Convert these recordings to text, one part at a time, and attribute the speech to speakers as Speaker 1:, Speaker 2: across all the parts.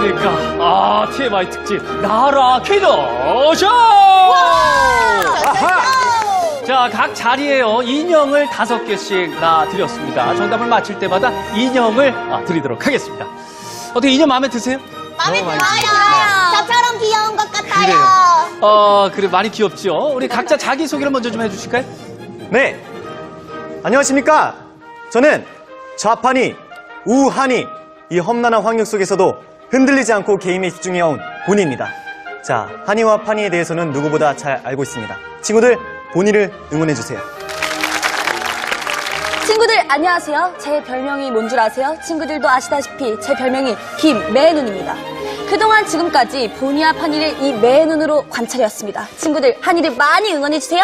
Speaker 1: 안녕하십니까. 아, TMI 특집 나라 퀴즈쇼! 자, 각 자리에요. 인형을 5개씩 놔드렸습니다. 정답을 맞힐 때마다 인형을 드리도록 하겠습니다. 어떻게 인형 마음에 드세요?
Speaker 2: 마음에 들어요. 저처럼 귀여운 것 같아요.
Speaker 1: 그래요. 그래, 많이 귀엽죠? 우리 각자 자기소개를 먼저 좀 해주실까요?
Speaker 3: 네. 안녕하십니까. 저는 좌판이, 우한이, 이 험난한 환경 속에서도 흔들리지 않고 게임에 집중해온 본이입니다. 자, 한이와 판이에 대해서는 누구보다 잘 알고 있습니다. 친구들, 본이를 응원해주세요.
Speaker 4: 친구들 안녕하세요. 제 별명이 뭔 줄 아세요? 친구들도 아시다시피 제 별명이 김매눈입니다. 그동안 지금까지 보니와 판이를 이 매눈으로 관찰해왔습니다. 친구들 한이를 많이 응원해주세요.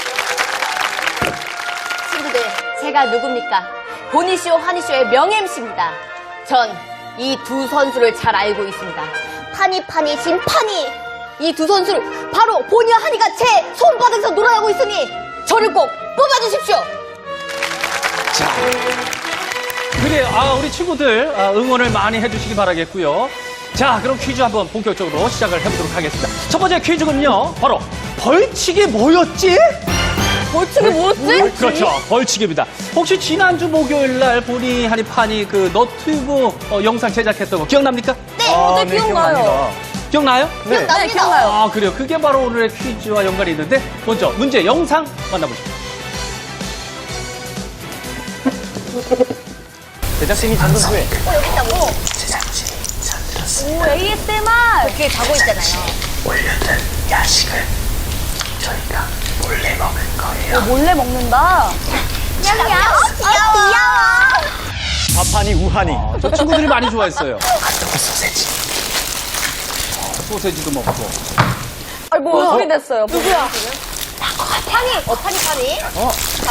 Speaker 2: 친구들, 제가 누굽니까? 보니쇼, 한이쇼의 명예 MC입니다. 전 이 두 선수를 잘 알고 있습니다. 파니, 심파니. 이 두 선수를 바로 보니와 한이가 제 손바닥에서 놀아나고 있으니 저를 꼭 뽑아주십시오.
Speaker 1: 자, 그래요. 우리 친구들 응원을 많이 해주시기 바라겠고요. 자, 그럼 퀴즈 한번 본격적으로 시작을 해보도록 하겠습니다. 첫 번째 퀴즈는요, 바로 벌칙이 뭐였지?
Speaker 4: 벌칙이 뭐였지?
Speaker 1: 그렇죠, 벌칙입니다. 혹시 지난주 목요일 날 보니 한이 판이 그 너튜브 영상 제작했던 거 기억납니까?
Speaker 4: 네, 기억나요.
Speaker 1: 기억나요?
Speaker 3: 네.
Speaker 4: 네, 기억나요.
Speaker 1: 그래요. 그게 바로 오늘의 퀴즈와 연관이 있는데 먼저 문제 영상 만나보시죠.
Speaker 3: 제작진이 잠든 후에
Speaker 2: 여기 있다고.
Speaker 4: 오, ASMR.
Speaker 2: 뒤에 자고 있잖아요.
Speaker 5: 올려둔 야식을 저희가 몰래 먹을 거예요.
Speaker 4: 몰래 먹는다.
Speaker 2: 귀여워.
Speaker 3: 좌판이, 우한이.
Speaker 1: 저 친구들이 많이 좋아했어요.
Speaker 5: 핫도그 소세지.
Speaker 1: 소세지도 먹고.
Speaker 4: 아이고, 소리 냈어요. 누구야?
Speaker 2: 파니. 파니. 잘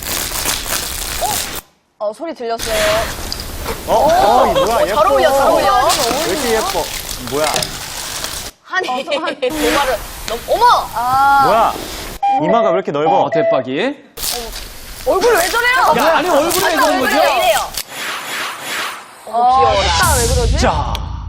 Speaker 2: 어울려.
Speaker 4: 소리 들렸어요.
Speaker 3: 이 뭐야, 예뻐.
Speaker 2: 잘 어울려.
Speaker 3: 왜 이렇게 예뻐? 뭐야,
Speaker 2: 한이. 도마를. 어머!
Speaker 3: 뭐야. 이마가 왜 이렇게 넓어?
Speaker 1: 대박이.
Speaker 4: 얼굴 왜 저래요?
Speaker 1: 야, 아니 얼굴에 왜 그런 거죠?
Speaker 2: 왜 이래요?
Speaker 4: 귀여워라. 왜 그러지?
Speaker 1: 자,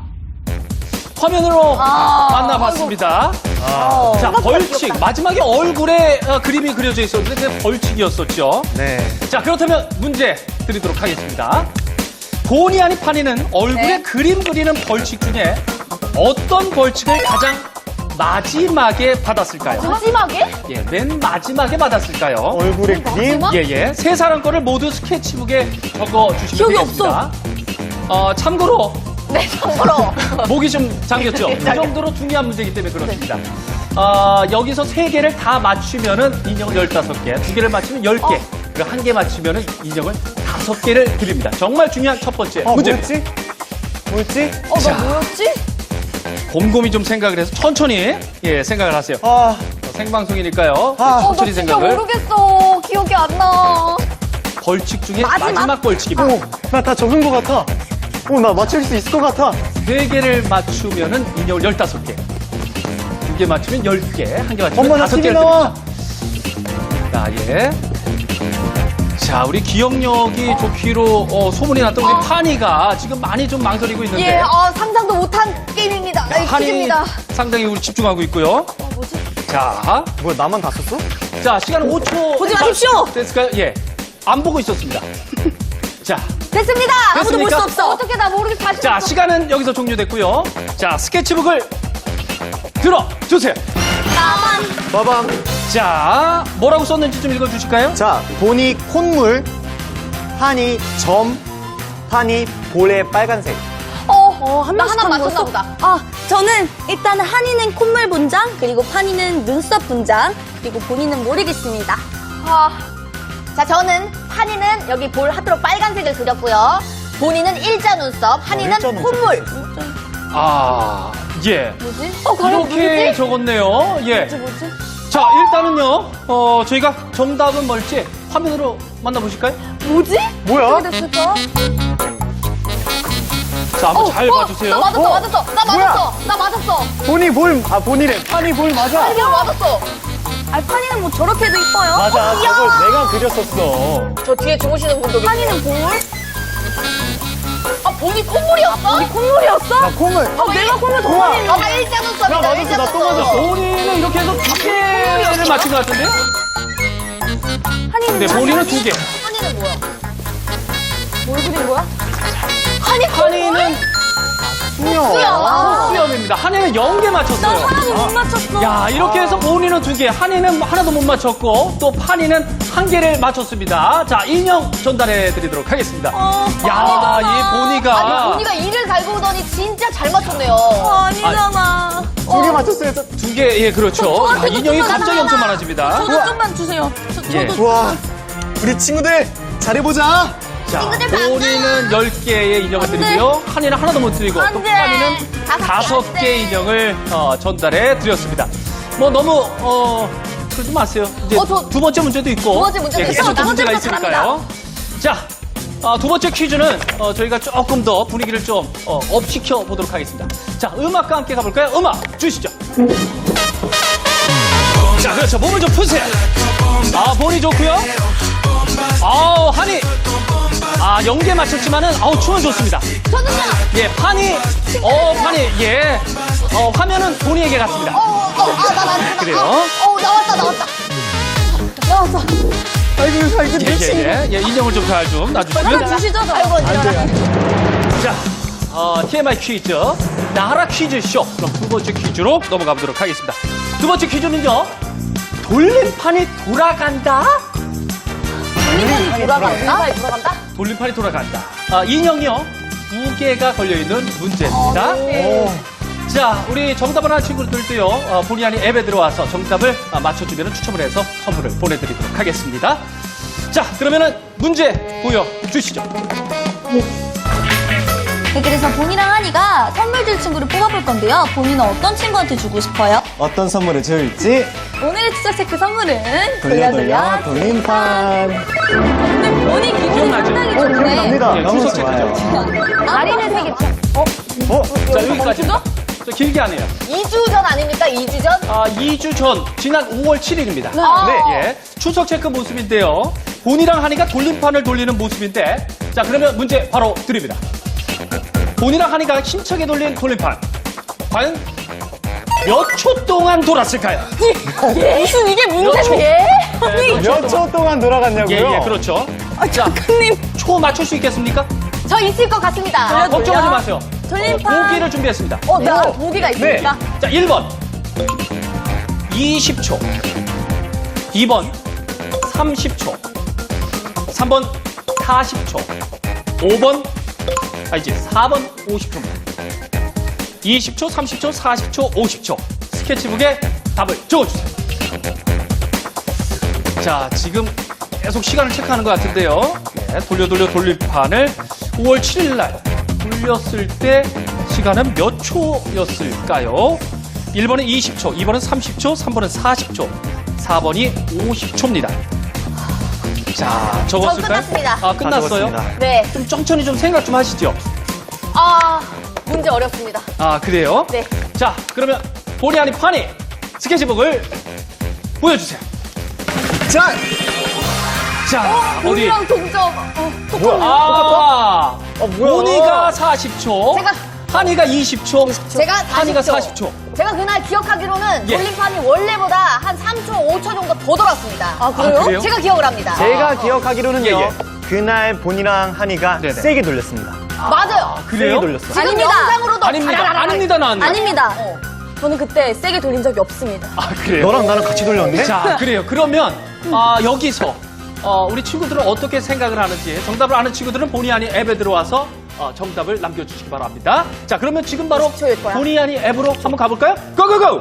Speaker 1: 화면으로 만나봤습니다. 자, 벌칙. 마지막에 얼굴에 그림이 그려져 있었는데 그게 벌칙이었었죠.
Speaker 3: 네.
Speaker 1: 자, 그렇다면 문제 드리도록 하겠습니다. 보니 아니 파니는 얼굴에 그림 그리는 벌칙 중에 어떤 벌칙을 가장 마지막에 받았을까요?
Speaker 4: 마지막에?
Speaker 1: 예, 맨 마지막에 받았을까요?
Speaker 3: 얼굴에 그림?
Speaker 1: 예. 세 사람 거를 모두 스케치북에 적어주시면
Speaker 4: 기억이
Speaker 1: 되겠습니다. 참고로
Speaker 2: 네, 참고로.
Speaker 1: 목이 좀 잠겼죠? 이 정도로 중요한 문제이기 때문에 그렇습니다. 여기서 3개를 다 맞추면은 인형을 15개, 2개를 맞추면 10개, 그리고 1개 맞추면은 인형을 5개를 드립니다. 정말 중요한 첫 번째 문제입니다.
Speaker 3: 뭐였지?
Speaker 1: 자.
Speaker 4: 나 뭐였지?
Speaker 1: 곰곰이 좀 생각을 해서 천천히 생각을 하세요. 생방송이니까요. 천천히 생각을.
Speaker 4: 모르겠어. 기억이 안 나.
Speaker 1: 벌칙 중에 마지막 벌칙입니다.
Speaker 3: 나 다 적은 것 같아. 나 맞출 수 있을 것 같아.
Speaker 1: 3개를 맞추면은 인형을 15개. 2개 맞추면 10개. 1개 맞추면
Speaker 3: 엄마, 나
Speaker 1: 5개를
Speaker 3: TV
Speaker 1: 드립니다.
Speaker 3: 나와.
Speaker 1: 자, 자, 우리 기억력이 좋기로 소문이 났던 우리 파니가 지금 많이 좀 망설이고 있는데.
Speaker 2: 상상도 못한 게임입니다.
Speaker 1: 한이
Speaker 2: 퀴즈입니다.
Speaker 1: 상당히 우리 집중하고 있고요.
Speaker 4: 뭐지?
Speaker 1: 자,
Speaker 3: 뭐야, 나만 다 썼어?
Speaker 1: 자, 시간은 5초.
Speaker 2: 보지 마십시오.
Speaker 1: 됐을까요? 예. 안 보고 있었습니다. 자,
Speaker 2: 됐습니다. 아무도 볼 수
Speaker 1: 됐습니까?
Speaker 2: 없어. 어떻게 나 모르겠어. 다시.
Speaker 1: 자, 시간은 여기서 종료됐고요. 자, 스케치북을 들어주세요.
Speaker 3: 빠밤.
Speaker 1: 자, 뭐라고 썼는지 좀 읽어주실까요?
Speaker 3: 자, 보니 콧물, 한이 점, 판이 볼에 빨간색.
Speaker 4: 한
Speaker 2: 나
Speaker 4: 명씩
Speaker 2: 하나
Speaker 4: 하는
Speaker 2: 맞췄나
Speaker 4: 거였어?
Speaker 2: 보다.
Speaker 4: 저는 일단 한이는 콧물 분장, 그리고 판이는 눈썹 분장, 그리고 본인은 모르겠습니다.
Speaker 2: 자, 저는 한이는 여기 볼 하트로 빨간색을 그렸고요. 본인은 일자 눈썹, 한이는
Speaker 3: 일자 눈썹
Speaker 2: 콧물.
Speaker 1: 예.
Speaker 4: 뭐지?
Speaker 1: 이렇게 적었네요. 예.
Speaker 4: 뭐지?
Speaker 1: 자, 일단은요, 저희가 정답은 뭘지 화면으로 만나보실까요?
Speaker 4: 뭐지?
Speaker 3: 뭐야?
Speaker 4: 어떻게 됐을까?
Speaker 1: 자, 한번 잘 봐주세요.
Speaker 2: 나 맞았어.
Speaker 3: 뭐야?
Speaker 2: 나 맞았어.
Speaker 3: 보니 볼, 보니래. 판이 볼 맞아.
Speaker 2: 한이 맞았어.
Speaker 4: 판이는 뭐 저렇게도 이뻐요?
Speaker 3: 맞아, 저걸 내가 그렸었어.
Speaker 2: 저 뒤에 주무시는 분도 계세요.
Speaker 4: 판이는 볼?
Speaker 2: 본이 콧물이었어. 맞았어?
Speaker 4: 우리 콧물이었어?
Speaker 3: 나 콩을.
Speaker 4: 내가 콧물 더
Speaker 3: 우와.
Speaker 4: 많이
Speaker 2: 나 1자 썼어.
Speaker 3: 나 맞았어, 나또 맞았어.
Speaker 1: 본인은 이렇게 해서 2개를 맞춘 것 같은데?
Speaker 4: 한이는
Speaker 1: 근데 본인은 2개.
Speaker 2: 한이는 뭐야?
Speaker 4: 뭘 그린 거야?
Speaker 1: 한이는 수염입니다. 한이는 0개
Speaker 4: 나
Speaker 1: 맞췄어요.
Speaker 4: 하나도 못 맞췄어.
Speaker 1: 야, 이렇게 해서 본인은 2개, 한이는 하나도 못 맞췄고, 또 판이는 1개를 맞췄습니다. 자, 인형 전달해 드리도록 하겠습니다. 야, 이 보니가.
Speaker 2: 아니, 보니가 이를 갈고 오더니 진짜 잘 맞췄네요.
Speaker 4: 아니잖아.
Speaker 3: 2개 맞췄어요.
Speaker 1: 2개, 예, 그렇죠. 야,
Speaker 4: 저한테도
Speaker 1: 인형이
Speaker 4: 좀만
Speaker 1: 갑자기 엄청 많아집니다.
Speaker 4: 저도 좀만 주세요.
Speaker 1: 예.
Speaker 4: 저도.
Speaker 3: 와, 우리 친구들 잘해보자.
Speaker 1: 자,
Speaker 2: 친구들 반가워.
Speaker 1: 본인은 10개의 인형을 드리고요. 한이는 하나도 못 드리고, 또
Speaker 4: 안 돼.
Speaker 1: 판이는
Speaker 2: 다섯 개,
Speaker 1: 5개 인형을 전달해 드렸습니다. 뭐 너무, 그러지 마세요. 이제
Speaker 2: 저-
Speaker 1: 두 번째 문제도 있고.
Speaker 2: 두 번째 문제도
Speaker 1: 예,
Speaker 2: 있어요.
Speaker 1: 계속 또
Speaker 2: 두
Speaker 1: 문제가
Speaker 2: 번째부터
Speaker 1: 있으니까요. 자, 두 번째 퀴즈는 저희가 조금 더 분위기를 좀 업시켜 보도록 하겠습니다. 자, 음악과 함께 가볼까요? 음악 주시죠. 자, 그렇죠. 몸을 좀 푸세요. 본이 좋고요. 한이. 0개 맞췄지만은, 춤은 좋습니다.
Speaker 2: 저는요.
Speaker 1: 예, 판이, 예. 화면은 본이에게 갔습니다.
Speaker 2: 나 맞았구나.
Speaker 1: 그래요?
Speaker 2: 나왔다.
Speaker 3: 아이고,
Speaker 1: 예, 인형을 좀 잘 좀 놔주시고요.
Speaker 4: 주시죠, 저.
Speaker 2: 아이고, 언제나.
Speaker 1: 자, TMI 퀴즈, 나라 퀴즈쇼. 그럼 두 번째 퀴즈로 넘어가 보도록 하겠습니다. 두 번째 퀴즈는요, 돌림판이 돌아간다?
Speaker 2: 돌아간다?
Speaker 1: 돌림판이 돌아간다. 인형이요, 2개가 걸려있는 문제입니다. 자, 우리 정답을 한 친구들도요, 본의 아닌 앱에 들어와서 정답을 맞춰주면 추첨을 해서 선물을 보내드리도록 하겠습니다. 자, 그러면은 문제 보여주시죠.
Speaker 4: 네, 그래서 본이랑 한이가 선물 줄 친구를 뽑아볼 건데요. 본이는 어떤 친구한테 주고 싶어요?
Speaker 3: 어떤 선물을 줄지
Speaker 4: 오늘의 추적 체크 선물은
Speaker 3: 돌려 돌림판.
Speaker 4: 근데 본이 기분이
Speaker 1: 기억나죠?
Speaker 4: 상당히 좋네.
Speaker 3: 기억납니다.
Speaker 1: 예,
Speaker 3: 너무
Speaker 1: 추석
Speaker 3: 좋아요.
Speaker 2: 마리는 세개
Speaker 1: 자, 여기까지입니다. 저 길게 안 해요.
Speaker 2: 2주 전 아닙니까? 2주 전?
Speaker 1: 2주 전, 지난 5월 7일입니다.
Speaker 2: 네.
Speaker 1: 예. 추석 체크 모습인데요. 본이랑 한이가 돌림판을 돌리는 모습인데, 자, 그러면 문제 바로 드립니다. 본이랑 한이가 힘차게 돌린 돌림판. 과연 몇 초 동안 돌았을까요?
Speaker 4: 무슨 이게
Speaker 1: 몇 초?
Speaker 4: 문제예요?
Speaker 3: 몇 초 동안 돌아갔냐고요?
Speaker 1: 예, 그렇죠. 자,
Speaker 4: 작가님.
Speaker 1: 초 맞출 수 있겠습니까?
Speaker 2: 저 있을 것 같습니다.
Speaker 1: 걱정하지 마세요.
Speaker 4: 돌림판.
Speaker 1: 보기를 준비했습니다.
Speaker 2: 나 보기가 있으니까.
Speaker 1: 자, 1번 20초, 2번 30초, 3번 40초, 5번 이제 4번 50초입니다. 20초, 30초, 40초, 50초. 스케치북에 답을 적어주세요. 자, 지금 계속 시간을 체크하는 것 같은데요. 네, 돌려 돌림판을 5월 7일 날 돌렸을 때 시간은 몇 초였을까요? 1번은 20초, 2번은 30초, 3번은 40초, 4번이 50초입니다. 자, 적었을까요?
Speaker 2: 끝났습니다.
Speaker 1: 끝났어요?
Speaker 3: 적었습니다.
Speaker 2: 네.
Speaker 1: 좀 천천히 좀 생각 좀 하시죠.
Speaker 2: 문제 어렵습니다.
Speaker 1: 그래요?
Speaker 2: 네.
Speaker 1: 자, 그러면 본의 아닌 판이 스케치북을 보여주세요.
Speaker 3: 자,
Speaker 1: 자, 어디?
Speaker 2: 본이랑 동점.
Speaker 3: 뭐야?
Speaker 1: 본이가 40초, 한이가 20초,
Speaker 2: 제가
Speaker 1: 한이가
Speaker 2: 40초.
Speaker 1: 40초.
Speaker 2: 제가 그날 기억하기로는
Speaker 1: 예.
Speaker 2: 돌림판이 원래보다 한 3초, 5초 정도 더 돌았습니다.
Speaker 1: 그래요?
Speaker 2: 제가 기억을 합니다.
Speaker 3: 제가 기억하기로는요.
Speaker 1: 예, 예.
Speaker 3: 그날 본이랑 한이가
Speaker 1: 네네.
Speaker 3: 세게 돌렸습니다.
Speaker 2: 맞아요.
Speaker 1: 그래요?
Speaker 3: 세게 돌렸어.
Speaker 2: 지금
Speaker 4: 아닙니다.
Speaker 2: 영상으로도
Speaker 1: 아닙니다.
Speaker 2: 자라라라.
Speaker 1: 아닙니다, 나왔네.
Speaker 4: 아닙니다. 저는 그때 세게 돌린 적이 없습니다.
Speaker 1: 그래요?
Speaker 3: 너랑 나랑 같이 돌렸네?
Speaker 1: 자, 그래요. 그러면 여기서 우리 친구들은 어떻게 생각을 하는지 정답을 아는 친구들은 본의 아닌 앱에 들어와서 정답을 남겨주시기 바랍니다. 자, 그러면 지금 바로
Speaker 2: 20초일 거야.
Speaker 1: 본의 아닌 앱으로 한번 가볼까요? 고고고!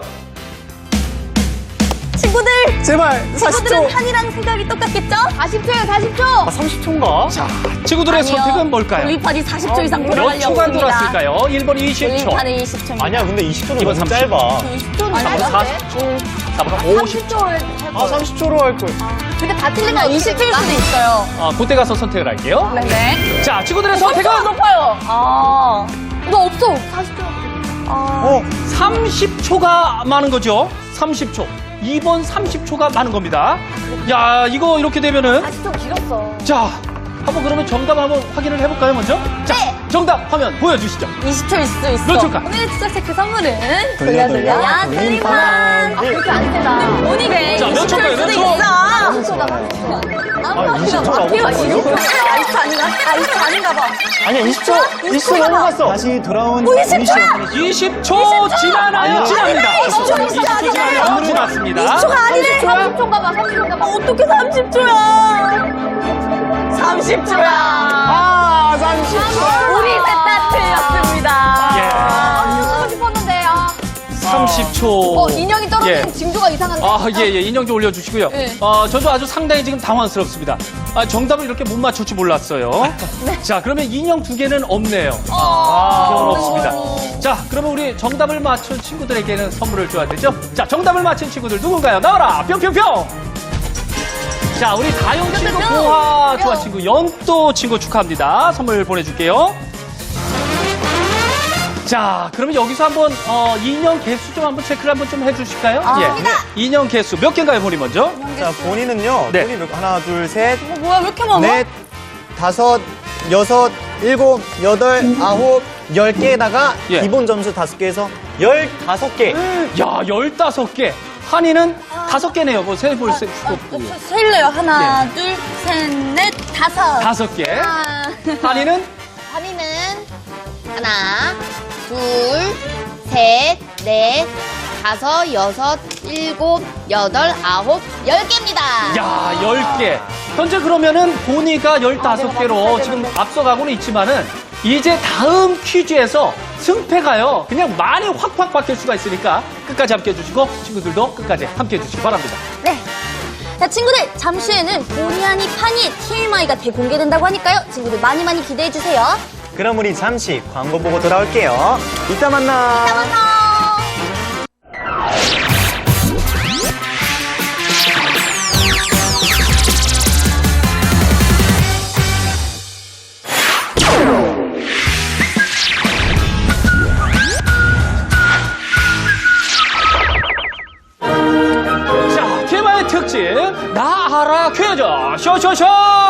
Speaker 4: 친구들!
Speaker 3: 제발,
Speaker 4: 친구들은
Speaker 3: 40초.
Speaker 4: 한이랑 생각이 똑같겠죠?
Speaker 2: 40초예요, 40초.
Speaker 3: 30초인가?
Speaker 1: 자, 친구들의 선택은 뭘까요?
Speaker 4: 돌림판이 40초 이상
Speaker 1: 몇
Speaker 4: 돌아가려고
Speaker 1: 초간
Speaker 4: 합니다.
Speaker 1: 돌았을까요? 1번 20초,
Speaker 4: 돌림판은 20초입니다.
Speaker 3: 아니야, 근데 20초는
Speaker 1: 2번
Speaker 3: 너무
Speaker 1: 30초.
Speaker 3: 짧아.
Speaker 2: 20초는
Speaker 1: 아,
Speaker 2: 짧은데?
Speaker 1: 4번 50초.
Speaker 2: 30초를 할 거예요.
Speaker 3: 30초로 할걸.
Speaker 2: 근데 다 틀리면
Speaker 4: 20초일 수도 있어요.
Speaker 1: 그때 가서 선택을 할게요.
Speaker 4: 네.
Speaker 1: 자, 친구들의 선택은
Speaker 2: 높아요.
Speaker 4: 이거 없어.
Speaker 2: 40초.
Speaker 1: 30초가 많은 거죠. 30초. 2번 30초가 많은 겁니다. 야, 이거 이렇게 되면은
Speaker 2: 40초 길었어.
Speaker 1: 자, 한번 그러면 정답 한번 확인을 해볼까요, 먼저? 자,
Speaker 2: 네.
Speaker 1: 정답 화면 보여주시죠.
Speaker 4: 20초일 수 있어.
Speaker 1: 몇 초일까?
Speaker 4: 오늘의 추적 체크 선물은
Speaker 3: 돌려, 돌려,
Speaker 4: 돌림판.
Speaker 2: 아, 그렇게 안 세다.
Speaker 4: 오니게
Speaker 1: 자, 몇
Speaker 4: 20초일
Speaker 1: 초일까요?
Speaker 4: 수도
Speaker 1: 몇 초?
Speaker 4: 있어.
Speaker 3: 20초라고?
Speaker 4: 아이스 아닌가? 아이스 아닌가 봐.
Speaker 3: 아니야, 20초 넘어갔어. 다시 돌아온
Speaker 4: 20초야!
Speaker 1: 20초 지나나요? 지납니다.
Speaker 4: 20초
Speaker 1: 20초 지나나요? 지났습니다.
Speaker 4: 20초가 아니래.
Speaker 2: 30초인가 봐, 30초인가 봐.
Speaker 4: 어떻게 30초야? 30초야.
Speaker 3: 아, 30초.
Speaker 4: 우리 셋 다 틀렸습니다.
Speaker 1: 예.
Speaker 2: 하고 싶었는데, 아.
Speaker 1: 30초.
Speaker 2: 인형이 떨어지는
Speaker 1: 예.
Speaker 2: 징조가 이상한데.
Speaker 1: 아, 예, 예. 인형 좀 올려주시고요.
Speaker 2: 네.
Speaker 1: 저도 아주 상당히 지금 당황스럽습니다. 정답을 이렇게 못 맞출 줄 몰랐어요. 자, 그러면 인형 두 개는 없네요. 인형은 없습니다. 자, 그러면 우리 정답을 맞춘 친구들에게는 선물을 줘야 되죠? 자, 정답을 맞힌 친구들 누군가요? 나와라! 뿅뿅뿅! 자, 우리 다영 친구, 보아 좋아 친구, 연또 친구 축하합니다. 선물 보내줄게요. 자, 그러면 여기서 한번 인형 개수 좀 한번 체크를 한번 좀 해주실까요? 예. 인형 개수 몇 개인가요, 본인 먼저?
Speaker 3: 자, 본인은요.
Speaker 1: 네.
Speaker 3: 본인 하나, 둘, 셋,
Speaker 4: 뭐야, 왜 이렇게 많아?
Speaker 3: 넷, 다섯, 여섯, 일곱, 여덟, 아홉, 10개에다가
Speaker 1: 예.
Speaker 3: 기본 점수 5개에서 15개.
Speaker 1: 야, 15개. 한이는 5개네요. 뭐 세볼 수도 없고.
Speaker 4: 셀래요. 하나, 둘, 셋, 넷, 다섯.
Speaker 1: 5개.
Speaker 4: 아.
Speaker 1: 한이는
Speaker 2: 한이는 하나, 둘, 셋, 넷, 다섯, 여섯, 일곱, 여덟, 아홉, 10개입니다.
Speaker 1: 야, 10개. 현재 그러면은 보니가 15개로 지금 앞서가고는 있지만은 이제 다음 퀴즈에서 승패가요. 그냥 많이 확확 바뀔 수가 있으니까 끝까지 함께 해주시고 친구들도 끝까지 함께 해주시기 바랍니다.
Speaker 4: 네. 자, 친구들, 잠시 후에는 보니, 하니, 파니, TMI가 대공개된다고 하니까요. 친구들 많이 많이 기대해주세요.
Speaker 3: 그럼 우리 잠시 광고 보고 돌아올게요. 이따 만나.
Speaker 1: 자, TMI 특집 나 알아 퀴즈 쇼쇼쇼!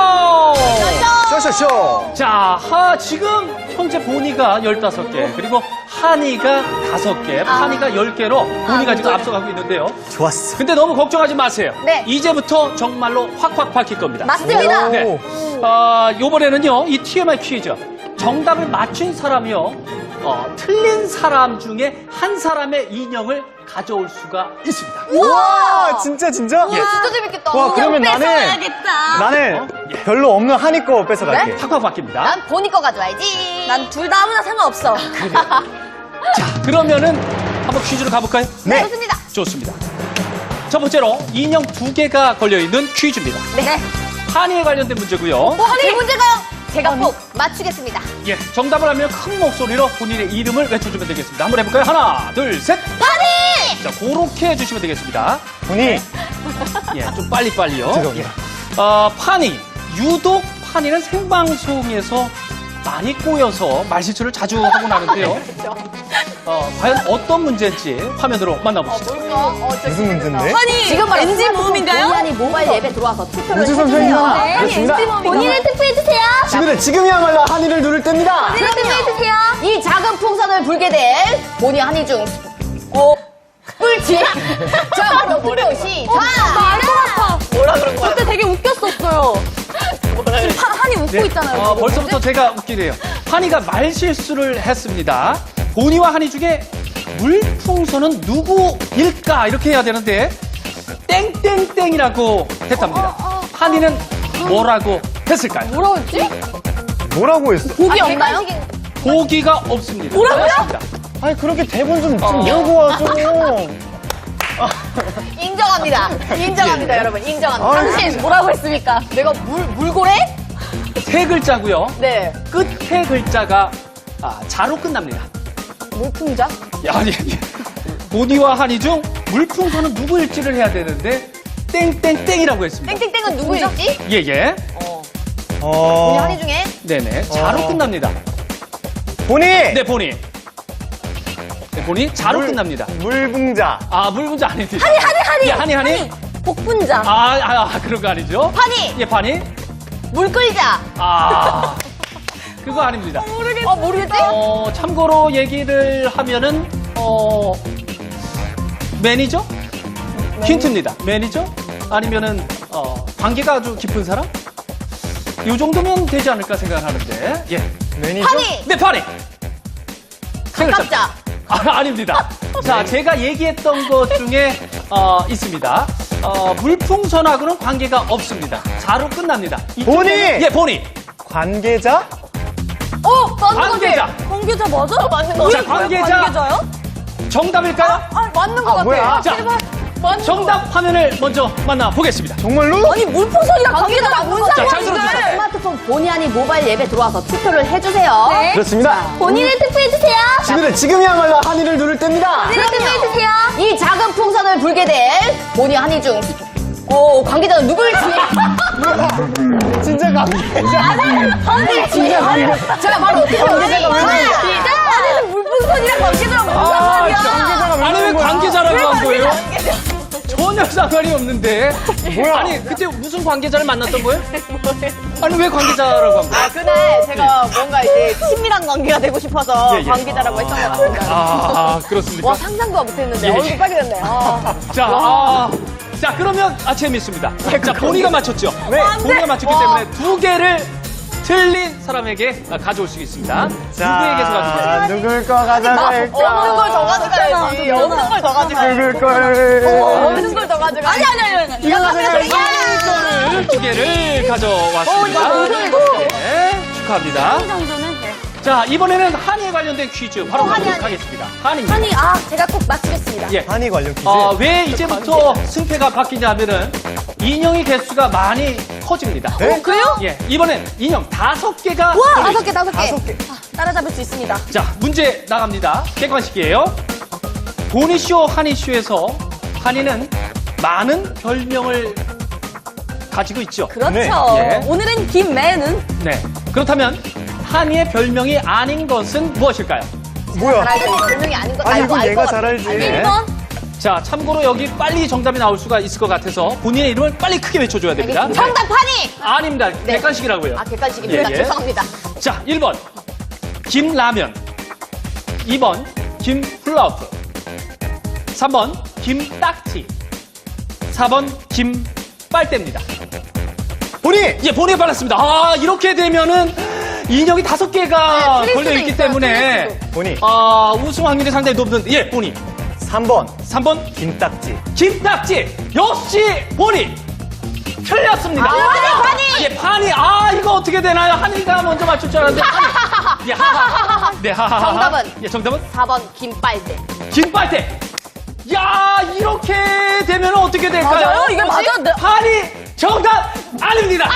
Speaker 3: 쇼쇼쇼.
Speaker 1: 자, 지금 현재 보니가 15개, 그리고 한이가 5개, 파니가 10개로 보니가 지금 앞서가고 있는데요.
Speaker 3: 좋았어.
Speaker 1: 근데 너무 걱정하지 마세요.
Speaker 2: 네.
Speaker 1: 이제부터 정말로 확확 밝힐 겁니다.
Speaker 4: 맞습니다.
Speaker 1: 네. 요번에는요, 이 TMI 퀴즈. 정답을 맞춘 사람이요, 틀린 사람 중에 한 사람의 인형을 가져올 수가 있습니다.
Speaker 3: 우와, 진짜, 진짜?
Speaker 2: 진짜 재밌겠다.
Speaker 3: 와, 그러면 나는 별로 없는 한이 거 뺏어갈게.
Speaker 1: 확확 바뀝니다.
Speaker 2: 난 보니 거 가져와야지.
Speaker 4: 난 둘 다 아무나 상관없어.
Speaker 1: 자, 그러면은 한번 퀴즈로 가볼까요?
Speaker 3: 네.
Speaker 2: 좋습니다.
Speaker 1: 좋습니다. 첫 번째로 인형 2개가 걸려있는 퀴즈입니다.
Speaker 2: 네.
Speaker 1: 한이에 관련된 문제고요.
Speaker 2: 제 문제가요. 제가 꼭 맞추겠습니다.
Speaker 1: 예, 정답을 하면 큰 목소리로 본인의 이름을 외쳐주면 되겠습니다. 한번 해볼까요? 하나, 둘, 셋.
Speaker 2: 파니!
Speaker 1: 자, 그렇게 해주시면 되겠습니다.
Speaker 3: 본이
Speaker 1: 예, 좀 빨리빨리요.
Speaker 3: 죄송합니다.
Speaker 1: 파니. 유독 파니는 생방송에서 많이 꼬여서 말실수를 자주 하고 나는데요. 과연 어떤 문제인지 화면으로 만나보시죠.
Speaker 3: 무슨 문제인데?
Speaker 4: 아니,
Speaker 2: 지금 바로
Speaker 4: NG 모음인가요?
Speaker 2: 본의 모바일 앱에 들어와서 투표를
Speaker 3: 우주
Speaker 2: 해주세요.
Speaker 3: 선생님아,
Speaker 2: 네.
Speaker 3: 그렇습니다.
Speaker 4: 본인을 투표해주세요.
Speaker 3: 친구들, 지금이야말로 한이를 누를 때입니다.
Speaker 4: 본인을 투표해주세요.
Speaker 2: 이 작은 풍선을 불게 될 보니 한이 중 꿀팁. 자, 바로 투표 시작.
Speaker 4: 알 것 같아. 뭐라 그런 거야? 그때 되게 웃겼었어요. 지금 한이 웃고 있잖아요. 지금.
Speaker 1: 벌써부터 제가 웃기네요. 한이가 말실수를 했습니다. 보니와 한이 중에 물풍선은 누구일까? 이렇게 해야 되는데 땡땡땡이라고 했답니다. 한이는 뭐라고 했을까요?
Speaker 2: 뭐라고 했지?
Speaker 3: 뭐라고 했어?
Speaker 2: 보기 없나요?
Speaker 1: 보기가 없습니다.
Speaker 4: 뭐라고요?
Speaker 1: 없습니다.
Speaker 3: 아니, 그렇게 대본 좀 외우고 와줘.
Speaker 2: 인정합니다. 인정합니다, 여러분. 인정합니다.
Speaker 4: 당신 뭐라고 했습니까?
Speaker 2: 내가 물고래?
Speaker 1: 세 글자고요.
Speaker 2: 네.
Speaker 1: 끝에 글자가 자로 끝납니다.
Speaker 2: 물풍자?
Speaker 1: 아니, 보니와 한이 중 물풍선은 누구일지를 해야 되는데 땡땡땡이라고 했습니다.
Speaker 2: 땡땡땡은 누구일지?
Speaker 1: 예예.
Speaker 2: 보니 한이 중에?
Speaker 1: 네네. 자로 끝납니다.
Speaker 3: 본이!
Speaker 1: 네, 보니. 네, 보니 자로 끝납니다.
Speaker 3: 물붕자.
Speaker 1: 물분자 아닙니다.
Speaker 4: 한이.
Speaker 1: 예, 한이.
Speaker 4: 복분자.
Speaker 1: 그런 거 아니죠?
Speaker 2: 파니!
Speaker 1: 예, 파니.
Speaker 2: 물 끓이자!
Speaker 1: 그거 아닙니다.
Speaker 2: 모르겠지?
Speaker 1: 참고로 얘기를 하면은, 매니저? 힌트입니다. 매니저? 아니면은, 관계가 아주 깊은 사람? 요 정도면 되지 않을까 생각하는데, 예.
Speaker 3: 매니저?
Speaker 2: 파니!
Speaker 1: 네, 파리! 세 글자.
Speaker 2: 가깝자.
Speaker 1: 아닙니다. 자, 제가 얘기했던 것 중에 있습니다. 물풍선하고는 관계가 없습니다. 4로 끝납니다. 이쪽에는-
Speaker 3: 보니!
Speaker 1: 예, 보니.
Speaker 3: 관계자?
Speaker 2: 맞는
Speaker 1: 관계자.
Speaker 4: 관계자 맞아?
Speaker 2: 맞는 거
Speaker 1: 자,
Speaker 2: 같아.
Speaker 1: 관계자. 정답일까요?
Speaker 2: 맞는 거 같아.
Speaker 3: 뭐야?
Speaker 1: 자, 정답 화면을 먼저 만나보겠습니다.
Speaker 3: 정말로?
Speaker 4: 아니 물풍선이랑 관계자가 뭔
Speaker 1: 자, 잘
Speaker 4: 상관인데?
Speaker 1: 들어주세요.
Speaker 2: 스마트폰 본의 아닌 모바일 앱에 들어와서 투표를 해주세요.
Speaker 4: 네.
Speaker 3: 그렇습니다.
Speaker 4: 본인을 투표해주세요.
Speaker 3: 친구들, 지금이야말로 한이를 누를 때입니다.
Speaker 4: 본인을 투표해주세요.
Speaker 2: 이 작은 풍선을 불게 된 본의 한이 중 관계자는 누구일지
Speaker 3: 진짜 관계자.
Speaker 2: 진짜 관계자. 제가 바로
Speaker 3: 관계자가 왜 그러냐?
Speaker 4: 아니 물풍선이랑 관계자랑 무슨 상관이야?
Speaker 3: 관계자가 왜
Speaker 1: 아니, 왜
Speaker 3: 그러는 거야?
Speaker 1: 관계자라고 한 거예요? 전혀 상관이 없는데.
Speaker 3: 뭐야?
Speaker 1: 아니, 그때 무슨 관계자를 만났던 거예요? 아니, 왜 관계자라고 한 거예요?
Speaker 2: 그날 제가 뭔가 이제 친밀한 관계가 되고 싶어서
Speaker 1: 예, 예.
Speaker 2: 관계자라고 했던 것 같습니다.
Speaker 1: 그렇습니까?
Speaker 2: 와, 상상도 못했는데
Speaker 1: 예, 예.
Speaker 2: 얼굴 빨개졌네.
Speaker 1: 자, 그러면 재밌습니다. 자, 본이가 맞췄죠?
Speaker 3: 네.
Speaker 1: 본이가 맞췄기 때문에 2개를 틀린 사람에게 가져올 수 있습니다. 누구에게서 가져올까요?
Speaker 3: 누굴 거 가져갈까?
Speaker 2: 없는 걸 더 가져가야지. 없는 걸 더 가져가야지.
Speaker 3: 누굴 걸.
Speaker 2: 없는 걸 더 가져가야지.
Speaker 4: 아니.
Speaker 3: 이거 가져갈까?
Speaker 1: 이거를 2개를 가져왔습니다. 네, 축하합니다.
Speaker 4: 정도는 네.
Speaker 1: 자, 이번에는 한이에 관련된 퀴즈 바로 가보도록 하겠습니다. 한입니다.
Speaker 4: 아니 제가 꼭 맞추겠습니다.
Speaker 1: 예.
Speaker 3: 한이 관련 퀴즈.
Speaker 1: 왜 이제부터 승패가 바뀌냐면은 인형의 개수가 많이 커집니다.
Speaker 3: 네?
Speaker 4: 그래요?
Speaker 1: 예, 이번엔 인형 5개가
Speaker 4: 와,
Speaker 1: 걸려 있습니다.
Speaker 4: 5개. 따라잡을 수 있습니다.
Speaker 1: 자, 문제 나갑니다. 객관식이에요. 보니쇼, 한이쇼에서 한이는 많은 별명을 가지고 있죠.
Speaker 4: 그렇죠.
Speaker 3: 네,
Speaker 1: 예.
Speaker 4: 오늘은 김매는
Speaker 1: 네. 그렇다면 한이의 별명이 아닌 것은 무엇일까요?
Speaker 3: 뭐야?
Speaker 2: 별명이 아닌 거
Speaker 3: 아니, 이거
Speaker 2: 알것
Speaker 3: 얘가
Speaker 2: 같아.
Speaker 3: 잘 알지.
Speaker 1: 네.
Speaker 4: 1번.
Speaker 1: 자, 참고로 여기 빨리 정답이 나올 수가 있을 것 같아서 본인의 이름을 빨리 크게 외쳐줘야 됩니다.
Speaker 2: 정답 파니!
Speaker 1: 아닙니다. 객관식이라고요.
Speaker 2: 객관식입니다.
Speaker 1: 예, 예.
Speaker 2: 죄송합니다.
Speaker 1: 자, 1번 김라면, 2번 김플라프, 3번 김딱지, 4번 김빨대입니다.
Speaker 3: 보니!
Speaker 1: 예, 본에 빨랐습니다. 이렇게 되면은 인형이 5개가
Speaker 2: 틀릴 수도
Speaker 1: 걸려있기
Speaker 2: 있어요,
Speaker 1: 때문에
Speaker 2: 틀릴
Speaker 3: 보니.
Speaker 1: 우승 확률이 상당히 높은, 예, 본이.
Speaker 3: 3번.
Speaker 1: 3번
Speaker 3: 김딱지.
Speaker 1: 김딱지. 역시 본이. 틀렸습니다.
Speaker 2: 파니!
Speaker 1: 예, 파니. 이거 어떻게 되나요? 한이가 먼저 맞출 줄 알았는데. 파니. 예, 하하. 네, 하하.
Speaker 2: 정답은?
Speaker 1: 예, 정답은?
Speaker 2: 4번 김빨대.
Speaker 1: 김빨대. 야, 이렇게 되면 어떻게 될까요?
Speaker 4: 맞아요? 이게 맞아? 네.
Speaker 1: 파니. 정답 아닙니다.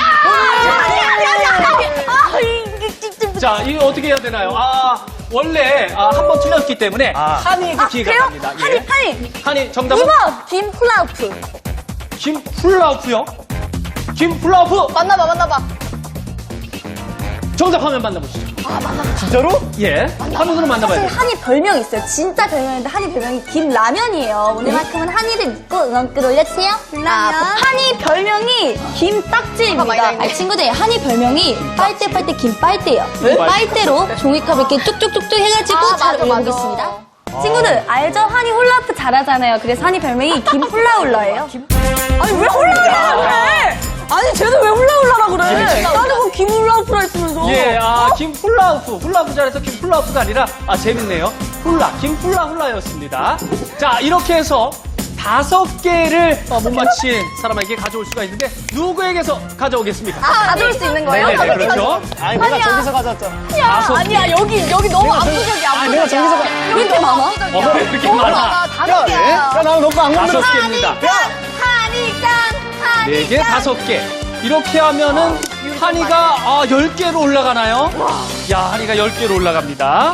Speaker 1: 자, 이거 어떻게 해야 되나요? 원래 한 번 틀렸기 때문에 한이에게 기회가
Speaker 4: 그래요?
Speaker 1: 갑니다. 예. 한이 정답은
Speaker 4: 2번 김플라우프.
Speaker 1: 김플라우프요. 김플라우프
Speaker 2: 만나봐.
Speaker 1: 정답 화면 만나보시죠.
Speaker 3: 진짜로?
Speaker 1: 예, 화면으로 만나봐야
Speaker 4: 사실
Speaker 1: 돼요.
Speaker 4: 한이 별명이 있어요. 진짜 별명인데 한이 별명이 김라면이에요. 오늘만큼은 한이를 믿고 응원글 올려주세요. 한이 별명이 김딱지입니다. 아니, 친구들 한이 별명이 빨대 김빨대예요. 빨대로 종이컵을 이렇게 쭉쭉쭉쭉 해가지고 잘
Speaker 2: 맞아.
Speaker 4: 올려보겠습니다. 친구들 알죠? 한이 홀라프 잘하잖아요. 그래서 한이 별명이 김훌라훌라예요. 아니 왜 홀라훌라라 그래? 아니 쟤는 왜 훌라훌라라 그래? 나는 뭐 김훌라훌라 했으면서.
Speaker 1: 예, 훌라프 잘해서 김플라우프가 아니라, 재밌네요. 김훌라훌라였습니다. 자, 이렇게 해서 5개를 못 맞힌 사람에게 가져올 수가 있는데, 누구에게서 가져오겠습니까?
Speaker 4: 가져올 수 있는 거예요?
Speaker 1: 네네, 그렇죠.
Speaker 3: 아니, 내가 저기서 가져왔잖아.
Speaker 2: 아니야, 여기 너무 압도적이야.
Speaker 3: 내가 저기서 가.
Speaker 4: 왜 이렇게 많아?
Speaker 1: 왜 이렇게 많아?
Speaker 2: 5개야.
Speaker 3: 야, 나 너거 안 건드려.
Speaker 1: 5개입니다.
Speaker 2: 한이
Speaker 1: 4개, 5개. 이렇게 하면은 한이가 10개로 올라가나요? 야, 한이가 10개로 올라갑니다.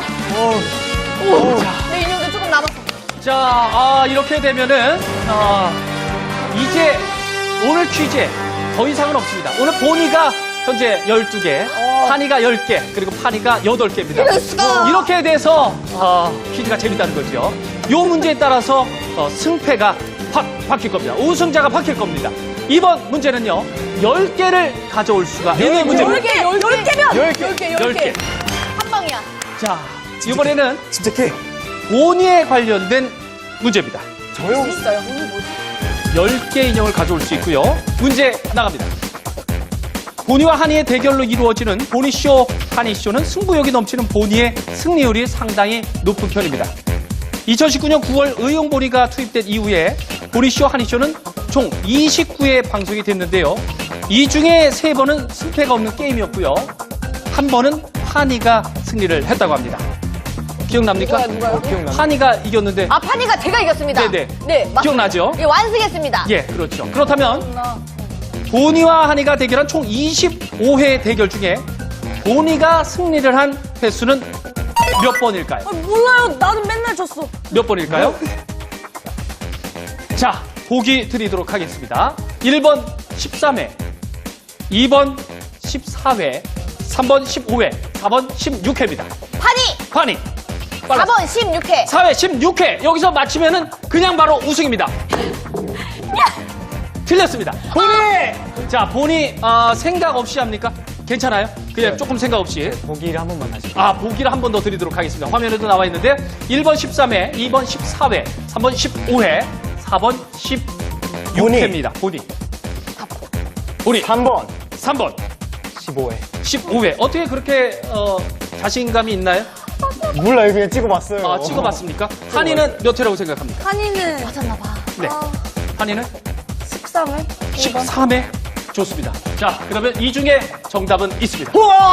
Speaker 2: 내 인형도 조금 남았어.
Speaker 1: 자, 이렇게 되면은 이제 오늘 퀴즈에 더 이상은 없습니다. 오늘 보니가 현재 12개, 한이가 10개, 그리고 파니가 8개입니다. 이렇게 돼서 퀴즈가 재밌다는 거죠. 이 문제에 따라서 승패가 확 바뀔 겁니다. 우승자가 바뀔 겁니다. 이번 문제는요, 10개를 가져올 수가 있는 문제입니다.
Speaker 4: 10개면
Speaker 1: 10개.
Speaker 2: 한 방이야.
Speaker 1: 자, 이번에는
Speaker 3: 침착해.
Speaker 1: 본이에 관련된 문제입니다.
Speaker 3: 저요?
Speaker 4: 있어요.
Speaker 1: 10개 인형을 가져올 수 있고요. 문제 나갑니다. 보니와 한이의 대결로 이루어지는 보니쇼, 한이쇼는 승부욕이 넘치는 보니의 승리율이 상당히 높은 편입니다. 2019년 9월 의용보니가 투입된 이후에 보니쇼, 한이쇼는 총 29회 방송이 됐는데요. 이 중에 3번은 승패가 없는 게임이었고요. 한 번은 한이가 승리를 했다고 합니다. 기억납니까?
Speaker 4: 누가요?
Speaker 1: 한이가 이겼는데
Speaker 2: 아, 파니가 제가 이겼습니다.
Speaker 1: 네네.
Speaker 2: 네, 맞습니다.
Speaker 1: 기억나죠?
Speaker 2: 예, 완승했습니다.
Speaker 1: 예, 그렇죠. 그렇다면 보니와 한이가 대결한 총 25회 대결 중에 보니가 승리를 한 횟수는 몇 번일까요?
Speaker 4: 몰라요. 나는 맨날 졌어.
Speaker 1: 몇 번일까요? 자, 보기 드리도록 하겠습니다. 1번 13회, 2번 14회, 3번 15회, 4번 16회입니다.
Speaker 2: 파니!
Speaker 1: 환희,
Speaker 2: 4번 16회.
Speaker 1: 4회 16회. 여기서 맞히면은 그냥 바로 우승입니다. 틀렸습니다. 보니! 자, 보니 생각 없이 합니까? 괜찮아요? 그냥 조금 생각 없이.
Speaker 3: 보기를 한 번만 다시.
Speaker 1: 보기를 한 번 더 드리도록 하겠습니다. 화면에도 나와 있는데 1번 13회, 2번 14회, 3번 15회, 4번 16회입니다. 보니. 보니.
Speaker 3: 3번.
Speaker 1: 3번
Speaker 3: 15회.
Speaker 1: 15회. 어떻게 그렇게 자신감이 있나요?
Speaker 3: 몰라요. 그냥 찍어봤어요.
Speaker 1: 찍어봤습니까? 한이는 몇 회라고 생각합니까?
Speaker 4: 한이는 맞았나봐.
Speaker 1: 네. 한이는
Speaker 4: 13회?
Speaker 1: 13회. 좋습니다. 자, 그러면 이 중에 정답은 있습니다.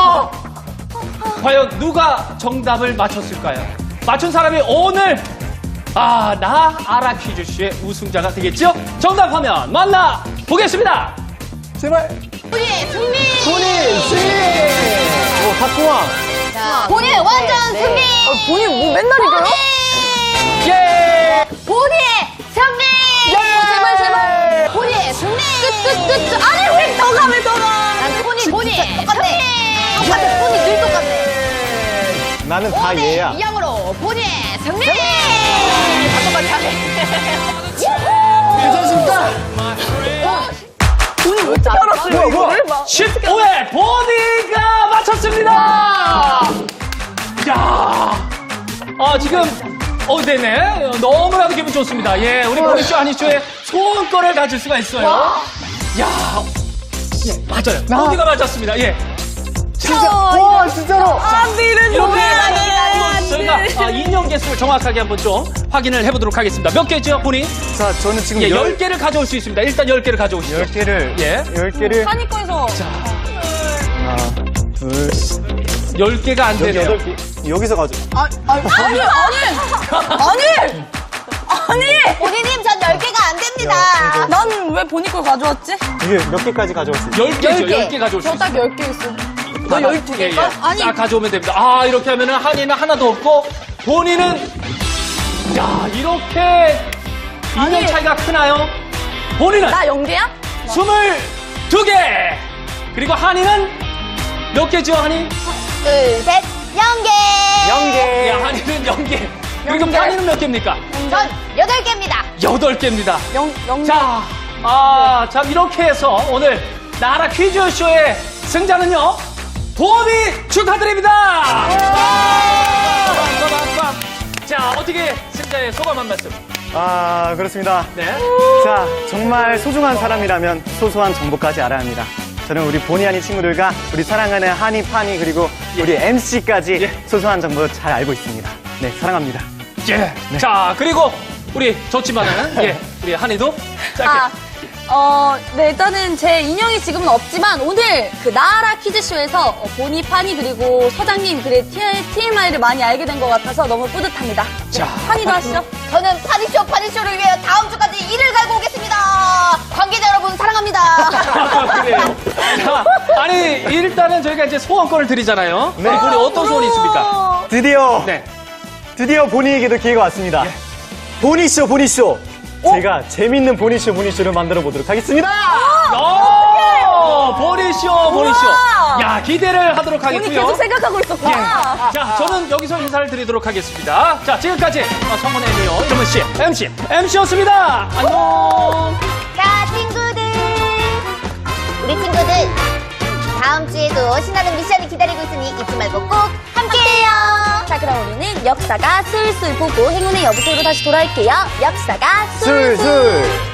Speaker 1: 과연 누가 정답을 맞췄을까요? 맞춘 사람이 오늘 나 알아 퀴즈쇼의 우승자가 되겠죠? 정답 화면 만나 보겠습니다.
Speaker 3: 제발.
Speaker 2: 보니 승리!
Speaker 3: 보니 승리! 탁구왕.
Speaker 2: 자, 보니 완전 승리!
Speaker 4: 본인 뭐 맨날 이겨요?
Speaker 1: 예!
Speaker 2: 보니 승리!
Speaker 4: 제발.
Speaker 2: 보니 승리!
Speaker 4: 끝. 아니, 왜 더 가, 왜 더 가?
Speaker 2: 난 보니 똑같네. 똑같아, 보니 늘 똑같네.
Speaker 3: 나는 다
Speaker 2: 보니
Speaker 3: 얘야.
Speaker 2: 이 양으로 보니 승리! 잠깐만 잘해.
Speaker 3: 괜찮습니까?
Speaker 2: 보니 왜
Speaker 4: 알았어요, 이거를?
Speaker 1: 15회 보니가 맞췄습니다! 야, 지금, 네네. 너무나도 기분 좋습니다. 예, 우리 보니쇼, 한이쇼의 소원권을 가질 수가 있어요. 야, 예, 맞아요. 보니가 맞았습니다. 예.
Speaker 3: 와, 진짜로.
Speaker 1: 이렇게 한번 저희가 인형 개수를 정확하게 한번 좀 확인을 해보도록 하겠습니다. 몇 개죠, 보니?
Speaker 3: 자, 저는 지금
Speaker 1: 예, 10개를 가져올 수 있습니다. 일단 10개를 가져오시죠.
Speaker 3: 10개를.
Speaker 1: 예.
Speaker 3: 10개를.
Speaker 4: 한이 거에서.
Speaker 3: 하나, 둘,
Speaker 1: 10개가 안
Speaker 3: 여기
Speaker 1: 되네요.
Speaker 3: 8개. 여기서 가져.
Speaker 4: 아니!
Speaker 2: 보니님 전 10개가 안 됩니다.
Speaker 4: 난 왜 본인 걸 가져왔지?
Speaker 3: 이게 몇 개까지 가져왔어요?
Speaker 1: 10개죠.
Speaker 2: 10개.
Speaker 1: 10개 가져올 수 있어요.
Speaker 4: 딱 10개 있어.
Speaker 1: 너 12개일까? 아니. 딱 가져오면 됩니다. 이렇게 하면은 한이는 하나도 없고, 본인은, 야, 이렇게 인형 차이가 크나요? 본인은
Speaker 4: 나 0개야?
Speaker 1: 22개! 그리고 한이는 몇 개죠, 한이?
Speaker 2: 둘, 셋, 0개.
Speaker 3: 0개.
Speaker 1: 야, 한이는 0개. 그리고 한이는 몇 개입니까?
Speaker 2: 전 8개입니다.
Speaker 1: 8개입니다.
Speaker 4: 0.
Speaker 1: 자, 자, 이렇게 해서 오늘 나라 퀴즈쇼의 승자는요, 보니 축하드립니다! 자, 어떻게 승자의 소감 한 말씀?
Speaker 3: 그렇습니다.
Speaker 1: 네.
Speaker 3: 자, 정말 소중한 사람이라면 소소한 정보까지 알아야 합니다. 저는 우리 보니 한이 친구들과 우리 사랑하는 한이, 파니, 그리고 우리 MC까지
Speaker 1: 예.
Speaker 3: 소소한 정보 잘 알고 있습니다. 네, 사랑합니다.
Speaker 1: 예. 자, 그리고 우리 좋지만은, 예, 우리 한이도 짧게.
Speaker 4: 네, 일단은 제 인형이 지금은 없지만 오늘 그 나라 퀴즈쇼에서 보니, 파니, 그리고 서장님, 그리고 TMI를 많이 알게 된 것 같아서 너무 뿌듯합니다.
Speaker 1: 자.
Speaker 4: 파니도 하시죠?
Speaker 2: 저는 파니쇼를 위해 다음 주까지 일을 갈고 오겠습니다. 관계자 여러분 사랑합니다.
Speaker 1: 그래요. 자, 아니, 일단은 저희가 이제 소원권을 드리잖아요.
Speaker 3: 네.
Speaker 1: 우리 어떤 소원이 있습니까?
Speaker 3: 드디어,
Speaker 1: 네.
Speaker 3: 드디어 보니에게도 기회가 왔습니다. 보니쇼, 보니쇼. 제가 재밌는 보니쇼를 만들어 보도록 하겠습니다.
Speaker 1: 보니쇼.
Speaker 4: 우와.
Speaker 1: 야, 기대를 하도록
Speaker 4: 본이
Speaker 1: 하겠고요.
Speaker 4: 계속 생각하고 있었구나.
Speaker 1: 자, 저는 여기서 인사를 드리도록 하겠습니다. 자, 지금까지 성원 애니어 이름은 씨, MC였습니다. 안녕.
Speaker 2: 자, 친구들. 우리 친구들 다음 주에도 신나는 미션이 기다리고 있으니 잊지 말고 꼭 함께해요.
Speaker 4: 자, 그럼 우리는 역사가 술술 보고 행운의 여보세요로 다시 돌아올게요. 역사가 술술.
Speaker 3: 술술.